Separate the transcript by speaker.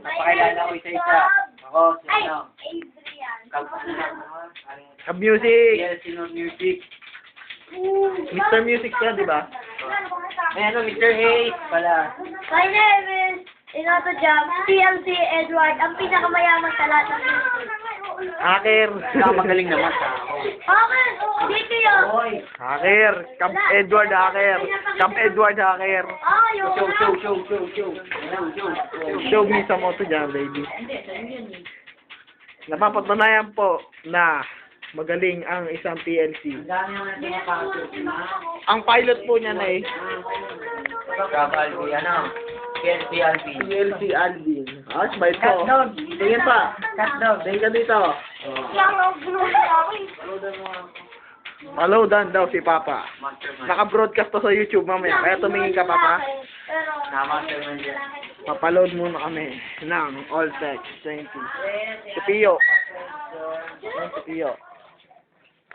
Speaker 1: Pakilala ko isa-isa. Ako, si ano.
Speaker 2: Cab Music.
Speaker 1: Yes, sino music.
Speaker 2: Mr. Music siya, di ba?
Speaker 1: Ay, ano, Mr. Hayes pala.
Speaker 3: My name is Inoto Jam, TLC Edward, ang pinakamayaman sa lahat ng Philippines.
Speaker 2: Hacker.
Speaker 1: Magaling naman sa ako.
Speaker 3: Okay, dito yun.
Speaker 1: Hoy!
Speaker 2: Hacker. Cab Edward Hacker. Cab Edward Hacker.
Speaker 3: Ah, yun.
Speaker 1: Show.
Speaker 2: Show me sa moto dyan, baby. Napapatunayan po na magaling ang isang PLC.
Speaker 1: Ang dami naman na pinapasok.
Speaker 2: Ang pilot po niya na eh,
Speaker 1: Kabalbi, ano? PLC Alvin.
Speaker 2: PLC Alvin. Ah, smile ko.
Speaker 1: Catdog.
Speaker 2: Tingin pa.
Speaker 1: Catdog.
Speaker 2: Tingin ka dito.
Speaker 1: Oh.
Speaker 2: Malodan daw si Papa.
Speaker 1: Mastermind.
Speaker 2: Naka-broadcast to sa YouTube mamaya. Kaya tumingin ka, Papa.
Speaker 1: Na-mastermind yan.
Speaker 2: Papaload muna kami ng All Tech 20. Si Pio. Yan si Pio.